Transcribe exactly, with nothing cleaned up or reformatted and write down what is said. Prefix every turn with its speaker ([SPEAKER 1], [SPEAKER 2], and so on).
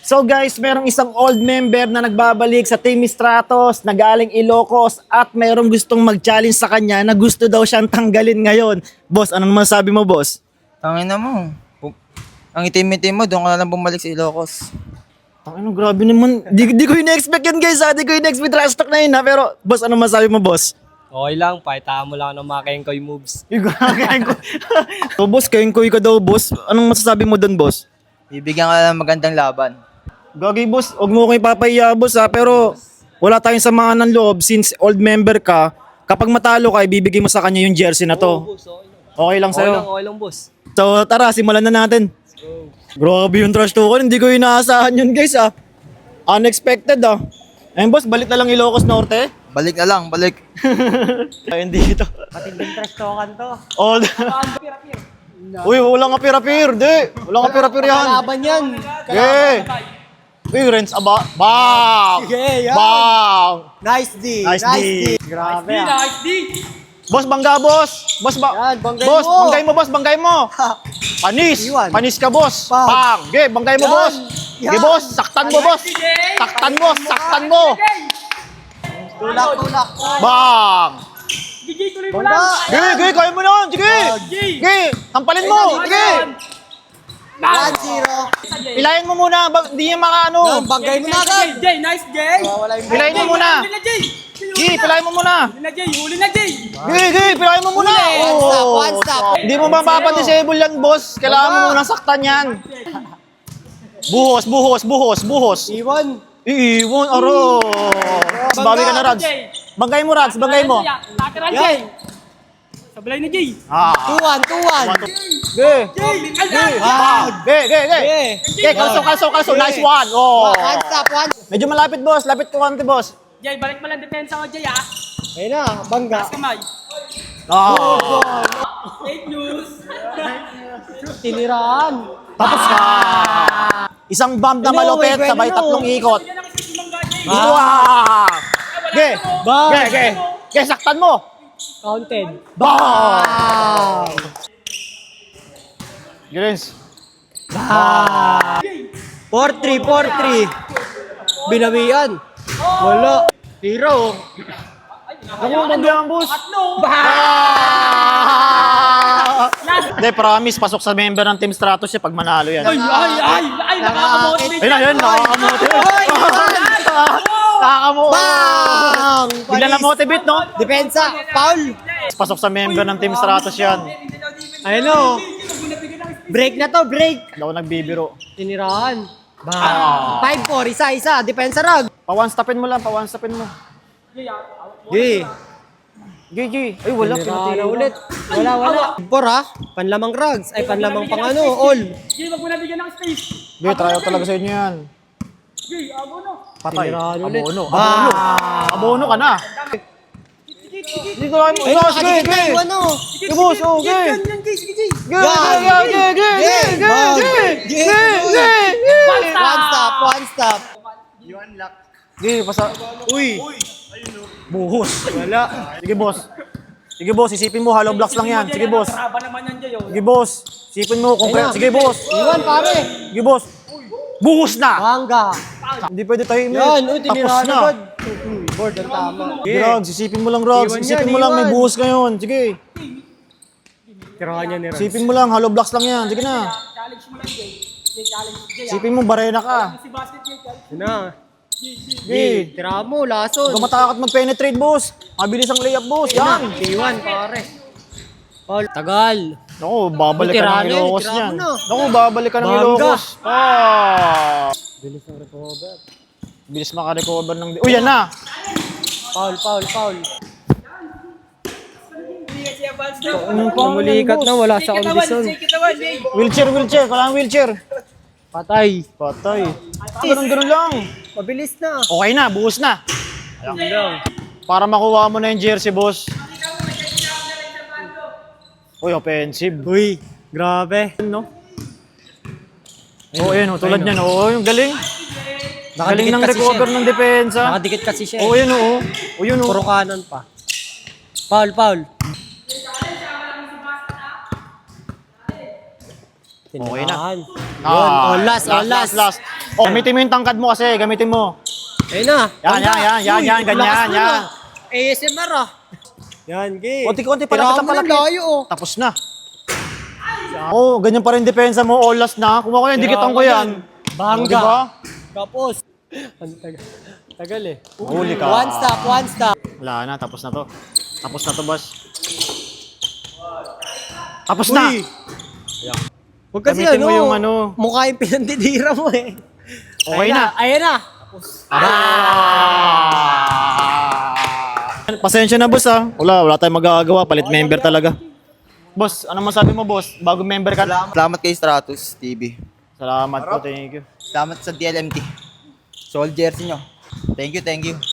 [SPEAKER 1] So guys, merong isang old member na nagbabalik sa Team Stratos na galing Ilocos at merong gustong mag-challenge sa kanya na gusto daw siyang tanggalin ngayon. Boss, anong masabi mo, boss?
[SPEAKER 2] Tangin na mo. Pu- Ang itim-itim mo, doon ka na lang bumalik sa Ilocos.
[SPEAKER 1] Ano, grabe naman. Di, di ko ina-expect yan guys ha. Di ko ina-expect trash talk na yun ha. Pero boss, anong masabi mo, boss?
[SPEAKER 3] Okay lang, pakita mo lang ng mga kengkoy moves.
[SPEAKER 1] So boss, kayong-kuy ka daw, boss. Anong masasabi mo doon, boss?
[SPEAKER 2] Bibigyan ka lang ng magandang laban.
[SPEAKER 1] Gagi boss, huwag mo ko ipapahiya boss ha, pero wala tayong samahan ng loob since old member ka. Kapag matalo ka, ibibigay mo sa kanya yung jersey na to.
[SPEAKER 3] Boss, okay lang.
[SPEAKER 1] Okay lang
[SPEAKER 3] Okay
[SPEAKER 1] sa'yo.
[SPEAKER 3] lang, okay lang, boss.
[SPEAKER 1] So tara, simulan na natin. Grabe yung trash talk, hindi ko inaasahan yun guys ah. Unexpected ah. Ayun boss, balik na lang Ilocos Norte.
[SPEAKER 2] Balik na lang, balik.
[SPEAKER 1] Ayun dito.
[SPEAKER 3] Matinding trash talkan to.
[SPEAKER 1] All Uy, walang apir-apir, di. Walang apir-apir yan.
[SPEAKER 3] Kalaban yan.
[SPEAKER 1] Eh. Uy, Renz, aba. Bang!
[SPEAKER 3] Sige, yan.
[SPEAKER 1] Bang!
[SPEAKER 3] Nice D.
[SPEAKER 1] Nice D.
[SPEAKER 3] Grabe ah.
[SPEAKER 1] Boss, bangga, boss. Boss, ba?
[SPEAKER 3] Yan, banggay
[SPEAKER 1] boss,
[SPEAKER 3] mo.
[SPEAKER 1] banggay mo, boss, banggay mo. Panis.
[SPEAKER 3] Iwan.
[SPEAKER 1] Panis ka, boss.
[SPEAKER 3] Pang.
[SPEAKER 1] Pang. Ge, banggay mo,
[SPEAKER 3] Yan.
[SPEAKER 1] boss.
[SPEAKER 3] Yan.
[SPEAKER 1] Ge, boss, saktan mo, boss. Saktan mo, saktan mo.
[SPEAKER 3] Tulak, tulak.
[SPEAKER 1] Bang!
[SPEAKER 3] Bangga.
[SPEAKER 1] Ge, ge, kaya mo na. Sige. Ge, tampalin mo. Sige.
[SPEAKER 3] one zero.
[SPEAKER 1] Pilayin mo muna. Ba- Hindi niya maka ano.
[SPEAKER 3] Yan, banggay mo na agad.
[SPEAKER 4] Jay, nice Jay!
[SPEAKER 3] Wala yung
[SPEAKER 1] Pilayin mo muna.
[SPEAKER 4] Huli na Jay!
[SPEAKER 1] Ge, pilayin mo muna.
[SPEAKER 4] Huli na Jay! Huli na Jay!
[SPEAKER 1] Ge, ge, pilayin mo muna.
[SPEAKER 3] One stop,
[SPEAKER 1] Oh.
[SPEAKER 3] one stop.
[SPEAKER 1] Hindi mo mapapa-disable yan, boss. Kailangan mo muna saktan yan. Buhos, buhos, buhos, buhos.
[SPEAKER 3] Iwan.
[SPEAKER 1] Iiwan, aro. Bawi ka na, Rads. Bangay mo, Rads. Bangay mo.
[SPEAKER 4] Lateral Jay! Sablay na Jay!
[SPEAKER 1] Ah.
[SPEAKER 3] two one, two one.
[SPEAKER 1] Ge.
[SPEAKER 4] Jay!
[SPEAKER 1] Ge. Ah. Ge, ge, ge. Ge, kalso, kalso, kalso. Nice one. Oh.
[SPEAKER 3] One stop, one.
[SPEAKER 1] Medyo malapit, boss. Lapit ko konti, boss.
[SPEAKER 4] Jay, balik mo lang depensa ko Jay ah!
[SPEAKER 3] Ayun na, bangga.
[SPEAKER 4] Taas kamay!
[SPEAKER 1] Ah.
[SPEAKER 4] Fake news!
[SPEAKER 3] Tiniraan.
[SPEAKER 1] Tapos ka. Isang bomb na
[SPEAKER 3] Ano,
[SPEAKER 1] malupit,
[SPEAKER 3] eh,
[SPEAKER 1] sabay
[SPEAKER 3] bueno.
[SPEAKER 1] tatlong ikot.
[SPEAKER 4] Yan ang isip mong Jay!
[SPEAKER 1] Wow. Ge.
[SPEAKER 3] Bang.
[SPEAKER 1] Ge, ge. Ge, saktan mo.
[SPEAKER 3] Counted.
[SPEAKER 1] Bang.
[SPEAKER 3] Bang.
[SPEAKER 1] Girens.
[SPEAKER 3] four three, four three. Binawian. Wala. Tiro.
[SPEAKER 1] Ako mo ang boss.
[SPEAKER 4] Tatlo!
[SPEAKER 1] Ah! Hindi, promise, pasok sa member ng Team Stratos siya pag manalo yan.
[SPEAKER 4] Ay, ay, ay! Ay, nakakamotivate!
[SPEAKER 1] Ayun na, yun, nakakamotivate. Nakakamotivate.
[SPEAKER 3] Bang!
[SPEAKER 1] Bigla na motivate, no?
[SPEAKER 3] Depensa. Foul.
[SPEAKER 1] Pasok sa member ng Team Stratos yan.
[SPEAKER 3] Ayun o. Break na to, break.
[SPEAKER 1] Hindi ako nagbibiro.
[SPEAKER 3] Tiniraan. Bang. five four, isa, isa. Depensa rag.
[SPEAKER 1] Pa-one-stopin mo lang, pa-one-stopin mo.
[SPEAKER 3] G.
[SPEAKER 1] G, G. Ay, wala,
[SPEAKER 3] Tiniraan
[SPEAKER 1] pinatira
[SPEAKER 3] na ulit. Wala, wala. four ha. Panlamang rugs. Ay, panlamang pang ano, all.
[SPEAKER 4] Jay, wag mo na bigyan ng space!
[SPEAKER 1] G, try out talaga sa inyo yan.
[SPEAKER 4] Jay, abo no!
[SPEAKER 1] Patay.
[SPEAKER 3] Tiniraan ulit.
[SPEAKER 1] Abono. Abono. Abono ka na. Dito lang mo.
[SPEAKER 3] Ay,
[SPEAKER 1] Sige,
[SPEAKER 3] nakadikit na
[SPEAKER 1] sige.
[SPEAKER 3] yung ano.
[SPEAKER 1] Sige, boss. Oh,
[SPEAKER 4] Jay,
[SPEAKER 1] ge.
[SPEAKER 4] yan, yan, Jay! Sige, Jay!
[SPEAKER 1] Ge, ge, ge, ge, ge, ge, ge,
[SPEAKER 3] Bang.
[SPEAKER 1] ge,
[SPEAKER 3] G.
[SPEAKER 1] ge, ge, ge.
[SPEAKER 3] One stop, one stop.
[SPEAKER 1] Ge, pasa. Uy. Buhos. Wala. Sige, boss. Sige, boss. Isipin mo, hollow blocks lang yan. Sige, boss.
[SPEAKER 4] Traba naman yan Jay oh!
[SPEAKER 1] Sige, boss. Isipin mo, concrete.
[SPEAKER 3] Ayun.
[SPEAKER 1] Sige, boss.
[SPEAKER 3] Iwan, pare.
[SPEAKER 1] Sige, boss. Buhos na.
[SPEAKER 3] Bangga.
[SPEAKER 1] Hindi pwede tayo imit.
[SPEAKER 3] Yan, uy,
[SPEAKER 1] Tapos
[SPEAKER 3] tiniraan
[SPEAKER 1] na.
[SPEAKER 3] agad. Board ang tama.
[SPEAKER 1] Rogs, isipin mo lang, Rogs.
[SPEAKER 3] Iwan
[SPEAKER 1] Isipin
[SPEAKER 3] yan,
[SPEAKER 1] mo lang, may
[SPEAKER 3] iwan.
[SPEAKER 1] buhos ngayon. Sige.
[SPEAKER 3] Tirahan niya ni Rans.
[SPEAKER 1] Isipin mo lang, hollow blocks lang yan. Sige na.
[SPEAKER 4] Challenge mo lang Jay! Jay, challenge Jay ah!
[SPEAKER 1] Isipin mo, barena ka.
[SPEAKER 4] Si basket Jay, challenge!
[SPEAKER 3] Yun na.
[SPEAKER 1] Sige.
[SPEAKER 3] Tirahan mo, lason.
[SPEAKER 1] Huwag matakot mag-penetrate, boss. Mabilis ang layup, boss. Yan.
[SPEAKER 3] Iwan, pare. Paul. Tagal.
[SPEAKER 1] Naku, babalik ka
[SPEAKER 3] Tirano
[SPEAKER 1] ng
[SPEAKER 3] yun,
[SPEAKER 1] Ilocos
[SPEAKER 3] tirano
[SPEAKER 1] yan.
[SPEAKER 3] na.
[SPEAKER 1] Naku, babalik ka ng
[SPEAKER 3] Bangga.
[SPEAKER 1] Ilocos. Ah.
[SPEAKER 3] Bilis ng recover.
[SPEAKER 1] Bilis makarecover ng... Uy, yan na.
[SPEAKER 3] Paul, Paul, Paul.
[SPEAKER 1] Anong pa?
[SPEAKER 3] Namulikat na, wala sa kondisyon.
[SPEAKER 1] Wheelchair, wheelchair. Kailangan wheelchair.
[SPEAKER 3] Patay.
[SPEAKER 1] Patay. Ganun, ganun lang.
[SPEAKER 3] Mabilis na.
[SPEAKER 1] Okay na, buhos na.
[SPEAKER 3] Yun lang.
[SPEAKER 1] Para makuha mo na yung jersey, boss. Uy, offensive.
[SPEAKER 3] Uy, grabe.
[SPEAKER 1] No? Oo, oh, yun. Oh, tulad niyan. Oo, yung galing. Galing ng
[SPEAKER 3] kasi
[SPEAKER 1] recover
[SPEAKER 3] siya.
[SPEAKER 1] ng depensa.
[SPEAKER 3] Nakadikit kasi siya.
[SPEAKER 1] Oo,
[SPEAKER 3] eh.
[SPEAKER 1] yun. Oo, oh, yun.
[SPEAKER 3] Puro
[SPEAKER 1] Oh.
[SPEAKER 3] kanan pa. Paul, Paul.
[SPEAKER 1] Okay na.
[SPEAKER 3] Tinirahan. Yun,
[SPEAKER 1] Ah,
[SPEAKER 3] all last, all last.
[SPEAKER 1] last, last. Oh, gamitin mo yung tangkad mo kasi, gamitin mo.
[SPEAKER 3] Ayun na.
[SPEAKER 1] Yan, yan, yan, yan,
[SPEAKER 3] Uy,
[SPEAKER 1] yan, ganyan,
[SPEAKER 3] lakas mo
[SPEAKER 1] yan.
[SPEAKER 3] na. A S M R ah. Yan, game.
[SPEAKER 1] Konti-konti palapit
[SPEAKER 3] Tirahan
[SPEAKER 1] na
[SPEAKER 3] mo ng
[SPEAKER 1] palapit.
[SPEAKER 3] layo oh.
[SPEAKER 1] Tapos na. Oh, ganyan pa rin depensa mo, all last na. Kung ako yan, dikitan ko yan.
[SPEAKER 3] Bangga.
[SPEAKER 1] Oh, diba?
[SPEAKER 3] Tapos. Ang tagal. Tagal eh.
[SPEAKER 1] Huli ka.
[SPEAKER 3] One stop, one stop.
[SPEAKER 1] Wala na, tapos na to. Tapos na to, boss. Tapos na.
[SPEAKER 3] Uy. Huwag kasi
[SPEAKER 1] Gamitin
[SPEAKER 3] ano,
[SPEAKER 1] mo yung ano.
[SPEAKER 3] mukha yung pinandidira mo eh.
[SPEAKER 1] Okay
[SPEAKER 3] Ayan
[SPEAKER 1] na.
[SPEAKER 3] Ayan na.
[SPEAKER 1] Ah! Pasensya na, boss, ah. Wala, wala tayong magagawa. Palit member talaga. Boss, ano masabi mo, boss? Bago member ka.
[SPEAKER 2] Salamat kay Stratus T V.
[SPEAKER 1] Salamat po, thank you.
[SPEAKER 2] Salamat sa D L M T. Sold jersey nyo. Thank you, thank you.